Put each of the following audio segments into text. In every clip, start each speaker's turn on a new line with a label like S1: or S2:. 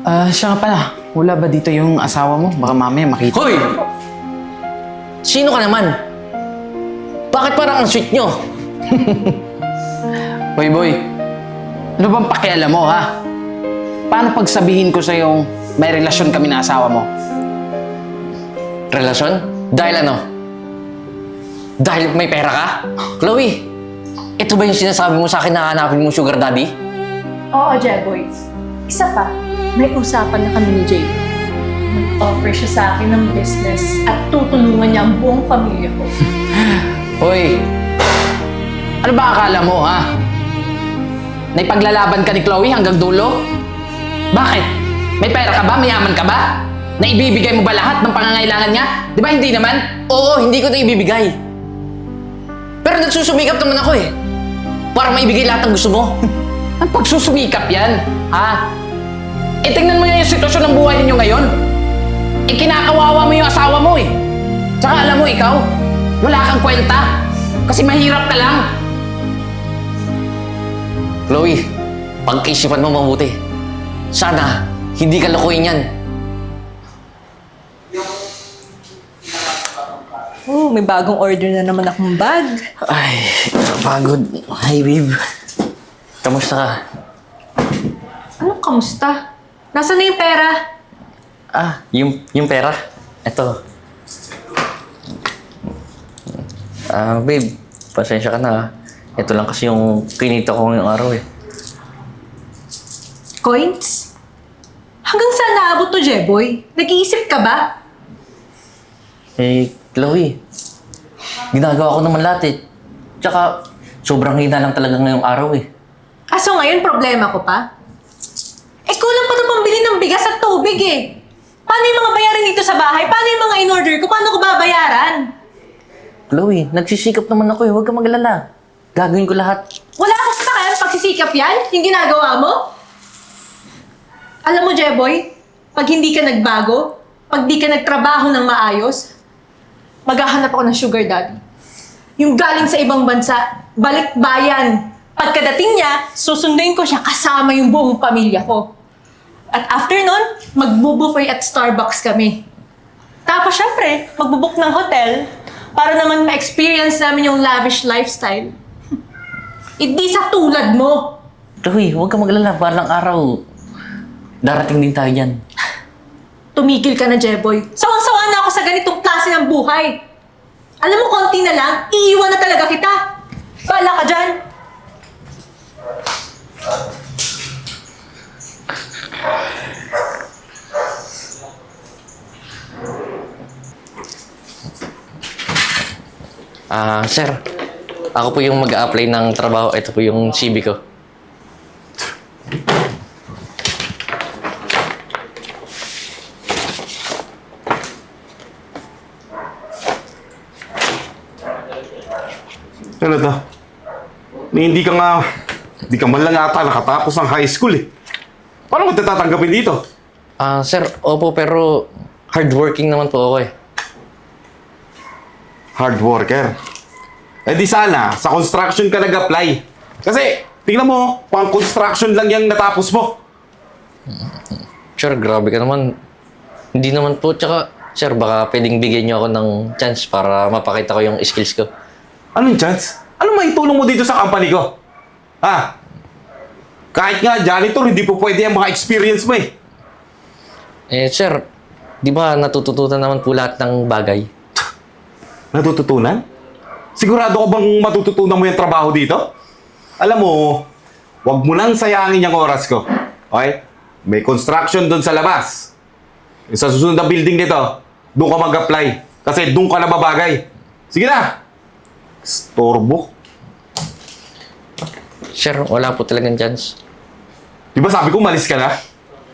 S1: Siya nga pala. Wala ba dito yung asawa mo? Baka mamaya makita.
S2: Hoy! Sino ka naman? Bakit parang ang sweet nyo?
S1: Hoy, boy. Ano bang pakialam mo, ha? Paano pagsabihin ko sa'yo may relasyon kami na asawa mo?
S2: Relasyon? Dahil ano? Dahil may pera ka? Chloe, ito ba yung sinasabi mo sa akin na hanapin mo sugar daddy?
S3: Oo, Jeboy. Isa pa, may usapan na kami ni Jay. Nag-offer siya sa akin ng business at tutulungan niya ang buong pamilya ko.
S1: Hoy! Ano ba akala mo, ha? Naipaglalaban ka ni Chloe hanggang dulo? Bakit? May pera ka ba? Mayaman ka ba? Naibibigay mo ba lahat ng pangangailangan niya? Di ba hindi naman?
S2: Oo, hindi ko na ibibigay. Pero nagsusumikap naman ako eh. Para maibigay lahat ng gusto mo.
S1: Ang pagsusumikap yan, ha? E tingnan mo yung sitwasyon ng buhay ninyo ngayon. E kinakawawa mo yung asawa mo eh. Tsaka alam mo ikaw, wala kang kwenta. Kasi mahirap ka lang.
S2: Chloe, pag-isipan mo mabuti. Sana, hindi ka lokohin yan.
S3: Oh, may bagong order na naman akong bag.
S2: Ay, pagod. Hi, babe. Kamusta ka?
S3: Anong kamusta? Nasaan na yung pera?
S2: Yung pera. Ito. Babe, pasensya ka na. Ito lang kasi yung kinita ko ngayong araw eh.
S3: Coins? Hanggang saan naabot to, Jeboy? Nag-iisip ka ba?
S2: Chloe, ginagawa ko naman lahat eh. Tsaka, sobrang hina lang talaga ngayong araw eh.
S3: So ngayon, problema ko pa? Kulang pa ito pambili ng bigas at tubig eh. Paano yung mga bayarin dito sa bahay? Paano yung mga in-order ko? Paano ko babayaran?
S2: Chloe, nagsisikap naman ako eh. Huwag ka maglala. Gagawin ko lahat.
S3: Wala akong sasakyan pagsisikap yan? Yung ginagawa mo? Alam mo, Jeboy, pag hindi ka nagbago, pag di ka nagtrabaho ng maayos, maghahanap ako ng sugar daddy. Yung galing sa ibang bansa, balik bayan. Pagkadating niya, susunduin ko siya kasama yung buong pamilya ko. At after nun, magbubuffet at Starbucks kami. Tapos syempre, magbubook ng hotel para naman ma-experience namin yung lavish lifestyle. Hindi sa tulad mo.
S2: Chloe, huwag ka maglala. Balang araw, darating din tayo dyan.
S3: Tumigil ka na, Jeboy. Sawang-sawa na ako sa ganitong klase ng buhay. Alam mo, konti na lang, iiwan na talaga kita. Bala ka dyan.
S2: Sir, ako po yung mag-a-apply ng trabaho. Ito po yung CV ko.
S4: Ano to? Hindi ka man lang ata nakatapos ng high school eh. Paano mo tatanggapin dito?
S2: Sir, opo, pero hardworking naman po ako eh.
S4: Hard worker. Eh di sana, sa construction ka nag-apply. Kasi, tingnan mo, pang construction lang yung natapos mo.
S2: Sir, grabe ka naman. Hindi naman po, tsaka, sir, baka pwedeng bigyan niyo ako ng chance para mapakita ko yung skills ko.
S4: Anong chance? Ano maitulong mo dito sa company ko? Ha? Kahit nga janitor, hindi po pwede ang mga experience mo eh.
S2: Sir, di ba natututunan naman po lahat ng bagay?
S4: Natututunan? Sigurado ka bang matututunan mo yung trabaho dito? Alam mo, wag mo nang sayangin yung oras ko. Okay? May construction doon sa labas. Sa susunod na building nito, doon ka mag-apply. Kasi doon ka na babagay. Sige na! Storbo.
S2: Sir, wala po talagang chance.
S4: Di ba sabi ko malis ka na?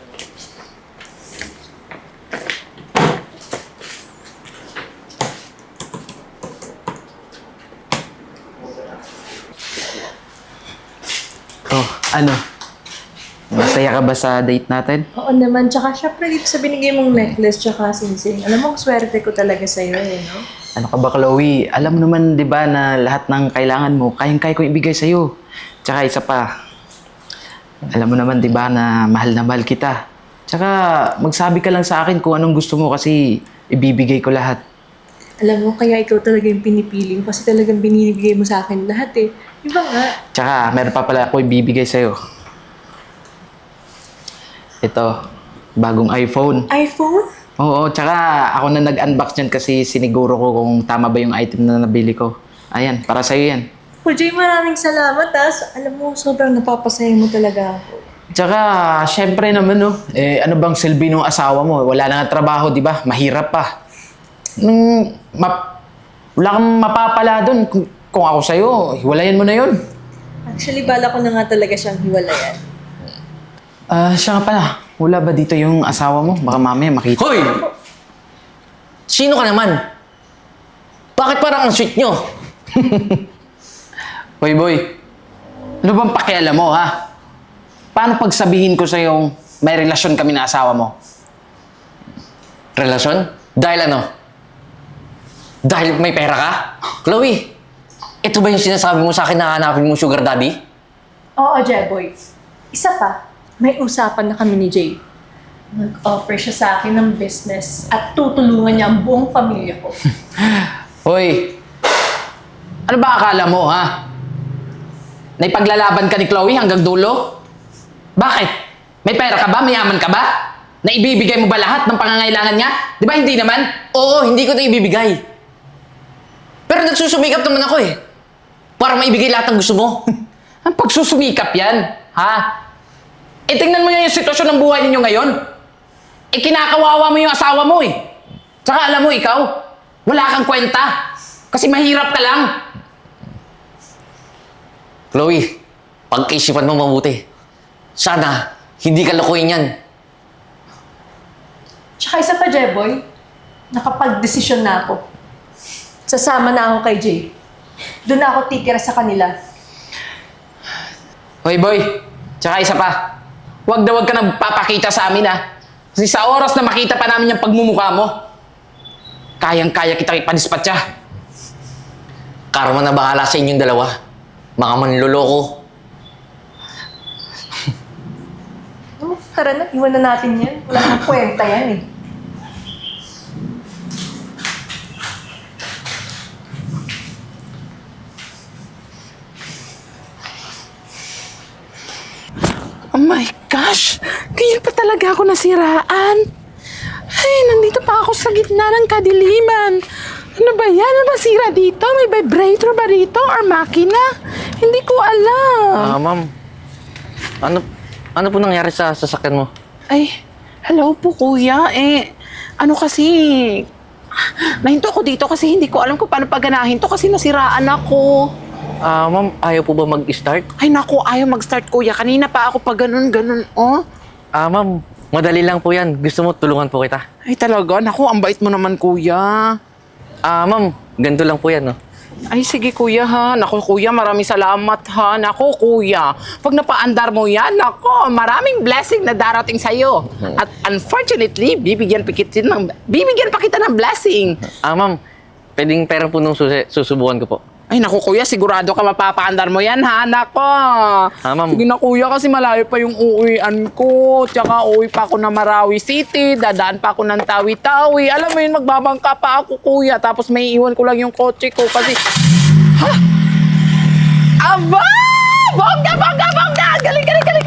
S1: Ano? Masaya ka ba sa date natin?
S3: Oo naman, tsaka syempre dito sa binigay mong necklace tsaka singsing. Alam mo, swerte ko talaga sa'yo eh, no?
S1: Ano ka ba, Chloe? Alam mo naman, di ba, na lahat ng kailangan mo, kayang-kaya ko ibigay sa'yo. Tsaka isa pa, alam mo naman, di ba, na mahal kita. Tsaka magsabi ka lang sa akin kung anong gusto mo kasi ibibigay ko lahat.
S3: Alam mo, kaya ikaw talaga yung pinipili ko kasi talagang binibigay mo sa akin lahat eh. Di ba nga?
S1: Tsaka meron pa pala ako ibibigay sa'yo. Ito, bagong iPhone.
S3: iPhone?
S1: Oo, tsaka ako na nag-unbox niyan kasi siniguro ko kung tama ba yung item na nabili ko. Ayan, para sa'yo yan.
S3: Jay, maraming salamat ha. Alam mo, sobrang napapasaya mo talaga ako.
S1: Tsaka, syempre naman, no, ano bang silbi ng asawa mo? Wala na nga trabaho, di ba? Mahirap pa. Wala kang mapapala doon. Kung ako sa'yo, hiwalayan mo na yun.
S3: Actually, bala ko na nga talaga siyang hiwalayan.
S1: Siya nga pala, wala ba dito yung asawa mo? Baka mamaya makita.
S2: Hoy! Sino ka naman? Bakit parang ang sweet nyo?
S1: Hoy, boy. Ano bang pakialam mo, ha? Paano pagsabihin ko sa'yo may relasyon kami na asawa mo?
S2: Relasyon? Dahil ano? Dahil may pera ka? Chloe, ito ba yung sinasabi mo sa akin na hanapin mo sugar daddy?
S3: Oo, Jeboy. Isa pa, may usapan na kami ni Jay. Nag-offer siya sa akin ng business at tutulungan niya ang buong pamilya ko.
S1: Hoy, ano ba akala mo, ha? Naipaglalaban ka ni Chloe hanggang dulo? Bakit? May pera ka ba? Mayaman ka ba? Naibibigay mo ba lahat ng pangangailangan niya? Di ba hindi naman?
S2: Oo, hindi ko na ibibigay. Pero nagsusumikap naman ako eh. Para maibigay lahat ng gusto mo.
S1: Ang pagsusumikap yan, ha? Tingnan mo nga yung sitwasyon ng buhay ninyo ngayon. Kinakawawa mo yung asawa mo eh. Tsaka alam mo ikaw, wala kang kwenta. Kasi mahirap ka lang.
S2: Chloe, pag-isipan mo mabuti. Sana, hindi ka lokohin yan.
S3: Tsaka isa pa, Jeboy, nakapag-desisyon na ako. Sasama na ako kay Jay. Doon na ako titira sa kanila.
S1: Hoy boy, tsaka isa pa. Huwag na huwag ka nagpapakita sa amin ha. Kasi sa oras na makita pa namin yung pagmumukha mo, kayang-kaya kita ipadispatcha.
S2: Karma na bahala sa inyong dalawa. Mga manloloko.
S3: Oh, tara na, iwan na natin yan. Wala nang kwenta yan eh.
S5: Oh my gosh! Kaya pa talaga ako nasiraan. Ay, nandito pa ako sa gitna ng kadiliman. Ano ba yan? Ano ba sira dito? May vibrator ba dito? Or makina? Hindi ko alam.
S2: Ma'am. Ano po nangyari sa sasakyan mo?
S5: Ay, hello po kuya. Ano kasi... Nahinto ako dito kasi hindi ko alam kung paano paganahin to kasi nasiraan ako.
S2: Ma'am, ayaw po ba mag-start?
S5: Ay naku, ayaw mag-start kuya. Kanina pa ako pa ganun, oh.
S2: Ma'am, madali lang po yan. Gusto mo, tulungan po kita.
S5: Ay talaga, naku, ang bait mo naman kuya.
S2: Ma'am, ganito lang po yan, no?
S5: Ay, sige kuya ha. Naku kuya, maraming salamat ha. Naku kuya, pag napaandar mo yan, naku, maraming blessing na darating sa'yo. At unfortunately, bibigyan pa kita ng blessing.
S2: Ma'am, pwedeng pera po nung susubukan ko po.
S5: Ay naku kuya, sigurado ka mapapaandar mo yan ha. Naku.
S2: Ma'am.
S5: Sige na kuya, kasi malayo pa yung uuwian ko. Tsaka uwi pa ako na Marawi City. Dadaan pa ako ng Tawi-Tawi. Alam mo yun, magbabangka pa ako kuya. Tapos may iwan ko lang yung kotse ko kasi... Ha? Aba! Bongga! Galing!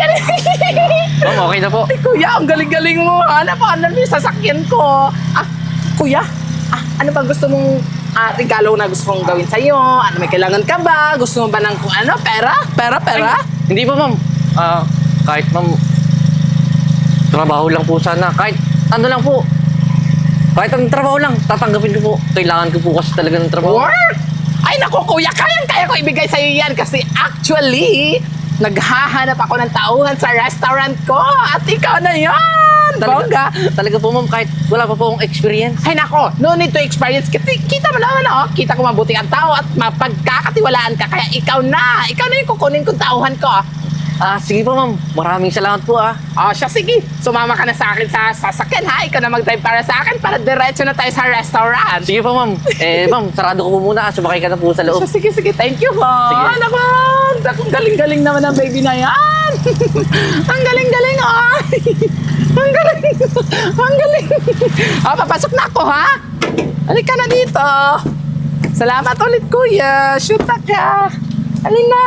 S2: Ma'am, okay na po.
S5: Ay, kuya, ang galing-galing mo. Ano yung sasakyan ko? Kuya, ano ba gusto mong regalo na gusto kong gawin sa'yo? Ano, may kailangan ka ba? Gusto mo ba ng kung ano? Pera?
S2: Ay, hindi po, ma'am. Kahit, ma'am, trabaho lang po sana. Kahit ano lang po. Kahit ang trabaho lang, tatanggapin ko po. Kailangan ko po kasi talaga ng trabaho.
S5: Work? Ay, naku, kuya, kayang-kaya ko ibigay sa'yo yan kasi actually, naghahanap ako ng tauhan sa restaurant ko at ikaw na yan! Bongga!
S2: Talaga po, ma'am, kahit wala pa po akong experience.
S5: Ay nako, no need to experience. Kasi kita mo naman kita ko mabuti ang tao at mapagkakatiwalaan ka. Kaya ikaw na yung kukunin kong tauhan ko.
S2: Sige po ma'am. Maraming salamat po
S5: Siya, sige. Sumama ka na sa akin sa sasakyan, ha? Ikaw na mag-drive para sa akin para diretso na tayo sa restaurant.
S2: Sige po ma'am. Ma'am, sarado ko po muna. Sumakay ka na po sa loob.
S5: Siya, sige, thank you, ha?
S2: Sige.
S5: Naman! Ang galing-galing naman ang baby na yan! Ang galing-galing, ay! Ang galing! Ang galing! Papasok na ako, ha? Halika na dito! Salamat ulit, kuya! Shoot na ka! Halina!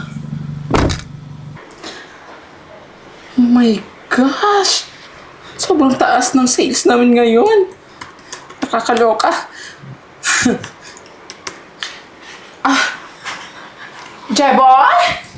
S5: Oh my gosh! Sobrang taas ng sales namin ngayon. Nakakaloka. Jeboy?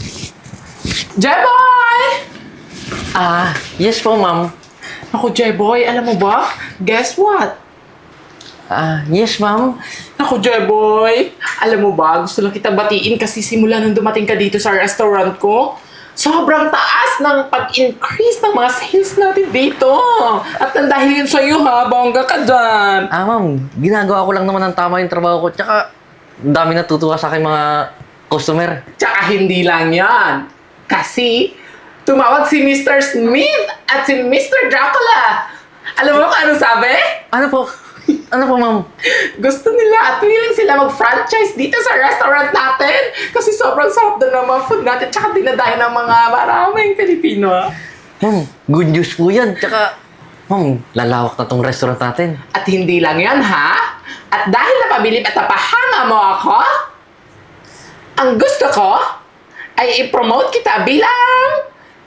S5: Jeboy!
S2: Yes po ma'am.
S5: Ako, Jeboy, alam mo ba? Guess what?
S2: Yes ma'am.
S5: Ako, Jeboy, alam mo ba? Gusto lang kita batiin kasi simula nung dumating ka dito sa restaurant ko, sobrang taas ng pag-increase ng mga sales natin dito. At nang dahil yun sa'yo, ha? Bongga ka dyan.
S2: Ma'am, ginagawa ko lang naman ng tama yung trabaho ko. Tsaka, dami natutuwa sa akin mga customer.
S5: Tsaka hindi lang yan. Kasi, tumawag si Mr. Smith at si Mr. Dracula. Alam mo kung anong sabi?
S2: Ano po? Ano po ma'am?
S5: Gusto nila at willing sila mag-franchise dito sa restaurant natin. Kasi sobrang sarap doon ng mga food natin. Tsaka dinadayo ng mga maraming Pilipino.
S2: Ma'am, good news po yan. Tsaka, ma'am, lalawak na tong restaurant natin.
S5: At hindi lang yan, ha? At dahil napabilib at napahanga mo ako, ang gusto ko ay i-promote kita bilang...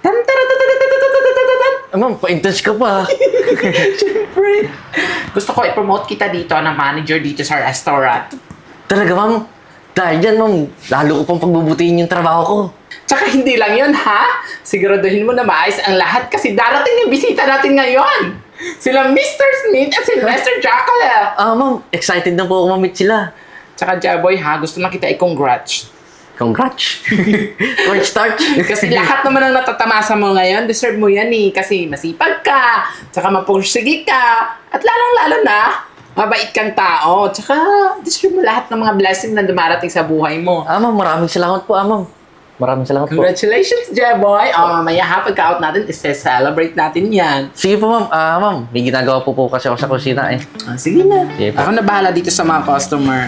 S2: Ma'am, pa-intense ka pa.
S5: Siyempre. Gusto ko i-promote kita dito na manager dito sa restaurant.
S2: Talaga ma'am, dahil dyan ma'am, lalo ko pang pagbubutihin yung trabaho ko.
S5: Tsaka hindi lang yun, ha? Siguraduhin mo na maayos ang lahat kasi darating yung bisita natin ngayon. Sila Mr. Smith at si Mr. Dracula.
S2: Ma'am, excited na po ako ma-meet sila.
S5: Tsaka, Jaboy, ha? Gusto lang kita i-congrats.
S2: Congrats! Cornstarch!
S5: Kasi lahat naman ang natatamasa mo ngayon, deserve mo yan eh. Kasi masipag ka, tsaka mapursige ka, at lalong-lalo na, mabait kang tao. Tsaka, deserve mo lahat ng mga blessing na dumarating sa buhay mo.
S2: Ma'am, maraming salamat po ma'am. Maraming salamat po.
S5: Congratulations, Jeboy! Mamaya ha, pagka-out natin, celebrate natin yan.
S2: Sige po ma'am. Ma'am, may ginagawa po kasi ako sa kusina eh.
S5: Sige na.
S2: Sige po.
S5: Ako na bahala dito sa mga customer.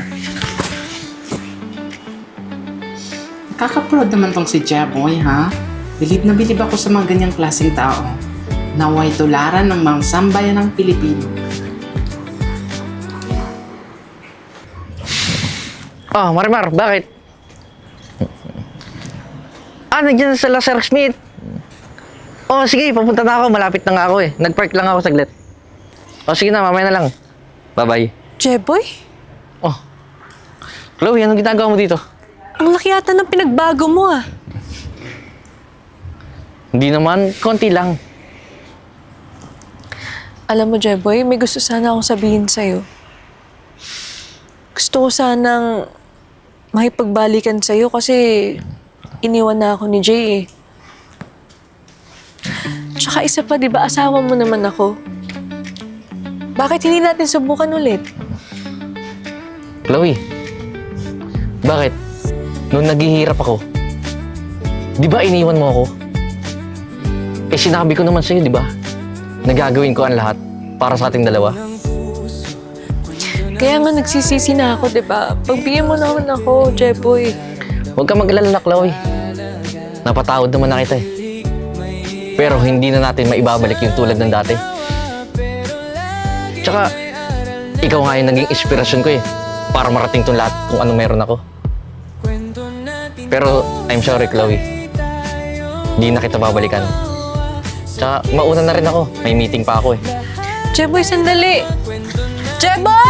S5: Kaka-proud naman tong si Jeboy, ha? Bilib na bilib ako sa mga ganyang klaseng tao. Naway tularan ng mga sambayan ng Pilipino.
S2: Marimar, bakit? Nandiyan sila Sir Smith. Sige, papunta na ako. Malapit na nga ako eh. Nag-park lang ako saglit. Sige na, mamaya na lang. Bye-bye.
S3: Jeboy?
S2: Chloe, anong ginagawa mo dito?
S3: Ang laki yata ng pinagbago mo ah.
S2: Hindi naman, konti lang.
S3: Alam mo, Jeboy, may gusto sana akong sabihin sa'yo. Gusto ko sanang makipagbalikan sa'yo kasi iniwan na ako ni Jay eh. Tsaka isa pa, di ba, asawa mo naman ako. Bakit hindi natin subukan ulit?
S2: Chloe, bakit? Noong naghihirap ako, di ba iniwan mo ako? Sinabi ko naman sa'yo, di ba? Nagagawin ko ang lahat para sa ating dalawa.
S3: Kaya nga nagsisisi na ako, di ba? Pagbigyan mo naman ako, Jeboy.
S2: Huwag ka mag-alala, Chloe. Napatawad naman na kita eh. Pero hindi na natin maibabalik yung tulad ng dati. Tsaka, ikaw nga yung naging inspirasyon ko eh. Para marating tong lahat kung ano meron ako. Pero, I'm sorry, Chloe. Hindi na kita babalikan. Tsaka, mauna na rin ako. May meeting pa ako eh.
S3: Jeboy, sandali! Jeboy!